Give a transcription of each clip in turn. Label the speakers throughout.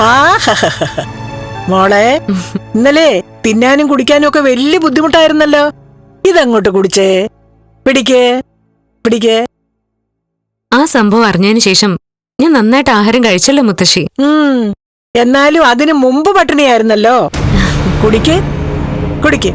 Speaker 1: ആ മോളെ, ഇന്നലെ തിന്നാനും കുടിക്കാനും ഒക്കെ വലിയ ബുദ്ധിമുട്ടായിരുന്നല്ലോ. ഇതങ്ങോട്ട് കുടിച്ചേ. പിടിക്കേ പിടിക്കേ.
Speaker 2: ആ സംഭവം അറിഞ്ഞതിന് ശേഷം ഞാൻ നന്നായിട്ട് ആഹാരം കഴിച്ചല്ലോ മുത്തശ്ശി.
Speaker 1: എന്നാലും അതിനു മുമ്പ് പട്ടിണിയായിരുന്നല്ലോ. കുടിക്കേ കുടിക്കേ.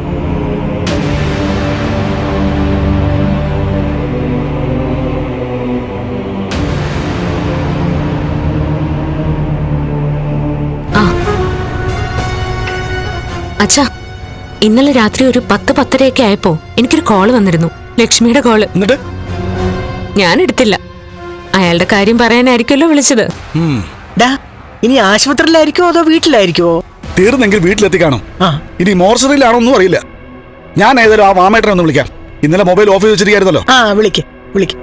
Speaker 2: അച്ഛാ, ഇന്നലെ രാത്രി ഒരു 10-10:30 ആയപ്പോ എനിക്കൊരു കോള് വന്നിരുന്നു. ലക്ഷ്മിയുടെ കോള്. ഞാൻ എടുത്തില്ല. അയാളുടെ കാര്യം പറയാനായിരിക്കുമല്ലോ വിളിച്ചത്.
Speaker 1: ഇനി ആശുപത്രിയിലായിരിക്കുമോ അതോ വീട്ടിലായിരിക്കുമോ?
Speaker 3: തീർന്നെങ്കിൽ വീട്ടിലെത്തി കാണും. ഇനി മോർച്ചറിയിലാണോന്നും അറിയില്ല. ഞാൻ ഏതായാലും ആ മാമേട്ടനെ ഒന്ന് വിളിക്കാം. ഇന്നലെ മൊബൈൽ ഓഫ് ചെയ്ത് വെച്ചിരിക്കായിരുന്നല്ലോ.
Speaker 1: വിളിക്ക് വിളിക്ക്.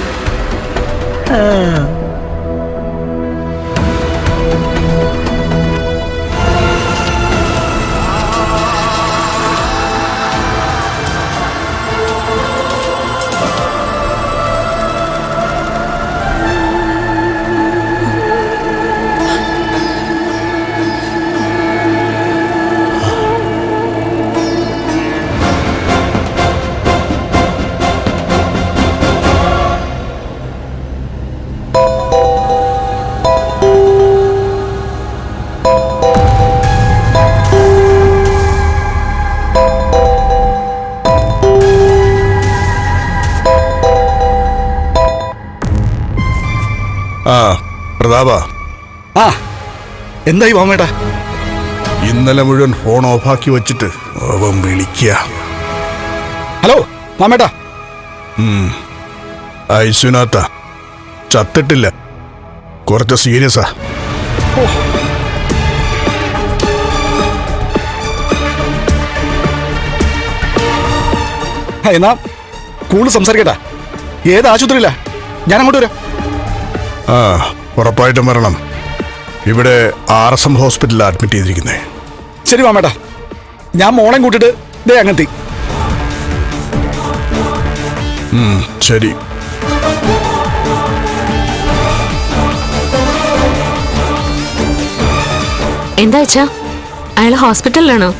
Speaker 4: പ്രതാപ,
Speaker 3: എന്തായി മാമേട്ടാ?
Speaker 4: ഇന്നലെ മുഴുവൻ ഫോൺ ഓഫാക്കി വെച്ചിട്ട് അവൻ വിളിക്കുക.
Speaker 3: ഹലോ മാമേട്ടാ.
Speaker 4: ഐസുനാത്ത ചത്തിട്ടില്ല, കുറച്ച് സീരിയസാ.
Speaker 3: എന്നാ കൂടുതൽ സംസാരിക്കട്ടാ. ഏത് ആശുപത്രിയില്ല? ഞാൻ അങ്ങോട്ട് വരാം.
Speaker 4: ഉറപ്പായിട്ടും വരണം. ഇവിടെ RSM ഹോസ്പിറ്റലിൽ അഡ്മിറ്റ് ചെയ്തിരിക്കുന്നേ.
Speaker 3: ശരി മാമേട്ടാ, ഞാൻ മോളെ കൂട്ടിട്ട് ദേ അങ്ങെത്തി.
Speaker 4: ശരി.
Speaker 2: എന്താ വെച്ചാ, അയാൾ ഹോസ്പിറ്റലിലാണോ?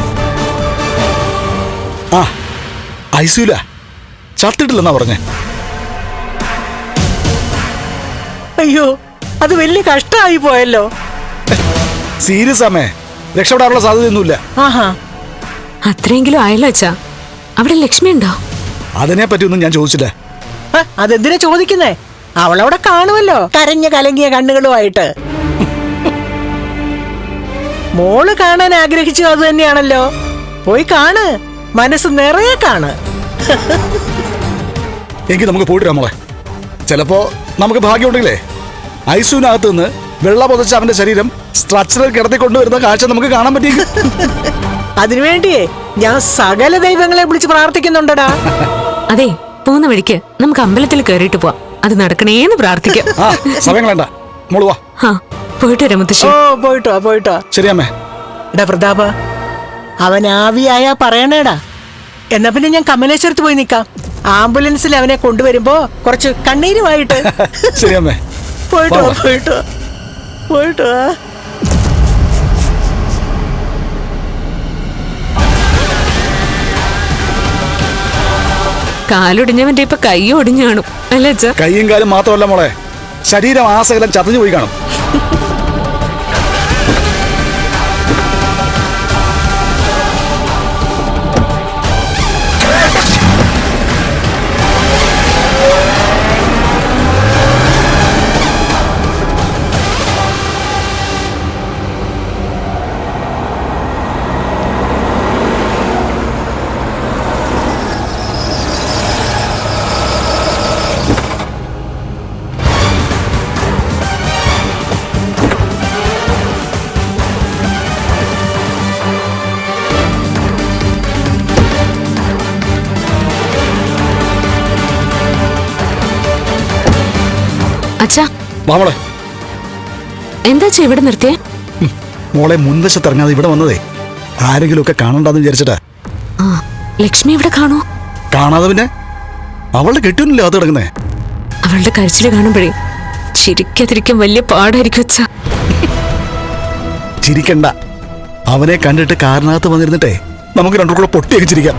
Speaker 3: ഐസിയുല, ചത്തിട്ടില്ലെന്നാ പറഞ്ഞേ.
Speaker 1: അയ്യോ, അത് വലിയ കഷ്ടമായി പോയല്ലോ.
Speaker 3: സീരിയസ് ആമേ, രക്ഷപ്പെടാനുള്ള സാധ്യതയൊന്നുമില്ല.
Speaker 2: അത്രയെങ്കിലും ആയല്ലോ അച്ഛാ. അവിടെ ലക്ഷ്മി ഉണ്ടോ?
Speaker 3: അതിനെ പറ്റിയൊന്നും ഞാൻ ചോദിച്ചില്ല.
Speaker 1: അതെന്തിനാ ചോദിക്കുന്നേ? അവളവിടെ കാണുമല്ലോ, കരഞ്ഞ കലങ്ങിയ കണ്ണുകളുമായിട്ട്. മോള് കാണാൻ ആഗ്രഹിച്ചു അത് തന്നെയാണല്ലോ. പോയി കാണ്, മനസ്സ് നിറയെ കാണ്.
Speaker 3: എങ്കിൽ നമുക്ക് പോയിട്ട് മോളെ. ചിലപ്പോ നമുക്ക് ഭാഗ്യമുണ്ടെങ്കിലേ ഐസിയുനകത്ത് നിന്ന് വെള്ള പൊതച്ച അവന്റെ ശരീരം സ്ട്രക്ചറിൽ കിടത്തിക്കൊണ്ടുവരുന്ന കാഴ്ച നമുക്ക് കാണാൻ പറ്റിയ.
Speaker 1: അതിനുവേണ്ടിയേ ഞാൻ സകല ദൈവങ്ങളെ വിളിച്ച് പ്രാർത്ഥിക്കുന്നുണ്ടടാ.
Speaker 2: അതെ, പോകുന്ന വഴിക്ക് നമുക്ക് അമ്പലത്തിൽ കയറിയിട്ട് പോവാം. അത് നടക്കണേന്ന് പ്രാർത്ഥിക്കാം.
Speaker 3: സമയം വേണ്ട, മോള് വാ.
Speaker 2: പോയിട്ട് വരാം മുത്തശ്ശി.
Speaker 1: പോയിട്ടോ.
Speaker 3: ശരി അമ്മേ.
Speaker 1: എടാ പ്രതാപ, അവൻ ആവിയായാ പറയണേടാ. എന്നാ പിന്നെ ഞാൻ കമലേശ്വരത്ത് പോയി നിക്കാം. ആംബുലൻസിൽ അവനെ കൊണ്ടുവരുമ്പോ കുറച്ച് കണ്ണീരുമായിട്ട്.
Speaker 3: ശരി അമ്മേ.
Speaker 1: പോയിട്ടോ.
Speaker 2: കാലൊടിഞ്ഞവന്റെ ഇപ്പൊ കൈ ഒടിഞ്ഞു കാണും അല്ലേ അച്ഛാ?
Speaker 3: കൈയും കാലും മാത്രമല്ല മോളെ, ശരീരം ആസകലം ചതഞ്ഞു പോയി കാണും.
Speaker 2: അച്ഛാ,
Speaker 3: മോളെ
Speaker 2: എന്താ ഇവിടെ നിർത്തിയേ?
Speaker 3: മോളെ മുൻവശത്ത് ഇറങ്ങാതെ ഇവിടെ വന്നതേ ആരെങ്കിലും ഒക്കെ കാണണ്ടെന്ന് വിചാരിച്ചിട്ടാ.
Speaker 2: ലക്ഷ്മി ഇവിടെ കാണോ?
Speaker 3: കാണാതെ പിന്നെ അവളുടെ കെട്ടിയൊന്നുമില്ല അത് കിടക്കുന്നേ.
Speaker 2: അവളുടെ കരച്ചില് കാണുമ്പോഴേ ചിരിക്കാതിരിക്കാൻ വലിയ പാടായിരിക്കും അച്ഛാ.
Speaker 3: ചിരിക്കണ്ട. അവനെ കണ്ടിട്ട് കാറിനകത്ത് വന്നിരുന്നിട്ടേ നമുക്ക് രണ്ടു കൂടെ പൊട്ടിയൊക്കെ ചിരിക്കാം.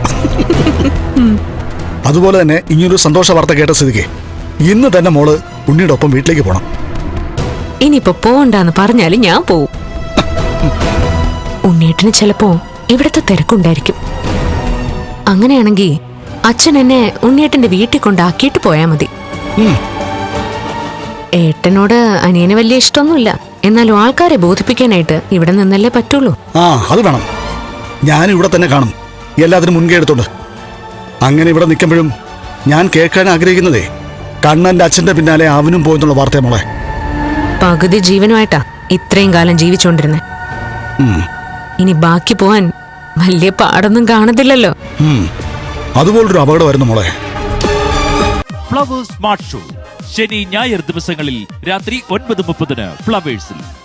Speaker 3: അതുപോലെ തന്നെ ഇങ്ങനൊരു സന്തോഷ വാർത്ത കേട്ട സ്ഥിതിക്ക് ഇന്ന് തന്നെ മോള് ഉണ്ണിയുടെ ഒപ്പം വീട്ടിലേക്ക് പോണം.
Speaker 2: ഇനിയിപ്പോ പോവണ്ടെന്ന് പറഞ്ഞാലും ഞാൻ പോവും. ഉണ്ണിയേട്ടന് ചിലപ്പോ ഇവിടത്തെ തിരക്കുണ്ടായിരിക്കും. അങ്ങനെയാണെങ്കിൽ അച്ഛൻ എന്നെ ഉണ്ണിയേട്ടന്റെ വീട്ടിൽ കൊണ്ടാക്കിയിട്ട് പോയാ മതി. ഏട്ടനോട് അനിയന് വലിയ ഇഷ്ടമൊന്നുമില്ല, എന്നാലും ആൾക്കാരെ ബോധിപ്പിക്കാനായിട്ട് ഇവിടെ നിന്നല്ലേ പറ്റുള്ളൂ.
Speaker 3: അത് വേണം. ഞാൻ ഇവിടെ തന്നെ കാണും, എല്ലാത്തിനും മുൻകൈ എടുത്തോണ്ട്. അങ്ങനെ ഇവിടെ നിൽക്കുമ്പോഴും ഞാൻ കേൾക്കാൻ ആഗ്രഹിക്കുന്നതേ കണ്ണന്റെ അച്ഛന്റെ പിന്നാലെ അവനും പോയെന്നുള്ള വാർത്തയെ മോളെ.
Speaker 2: പകുതി ജീവനുമായിട്ടാ ഇത്രയും കാലം ജീവിച്ചോണ്ടിരുന്നെ. ഇനി ബാക്കി പോവാൻ വലിയ പാടൊന്നും കാണത്തില്ലല്ലോ.
Speaker 3: അതുപോലൊരു അപകടമായിരുന്നു മോളെ.
Speaker 5: ഫ്ലവേഴ്സ് സ്മാർട്ട് ഷോ ശനി ഞായർ ദിവസങ്ങളിൽ രാത്രി 9:30 ഫ്ലവേഴ്സിൽ.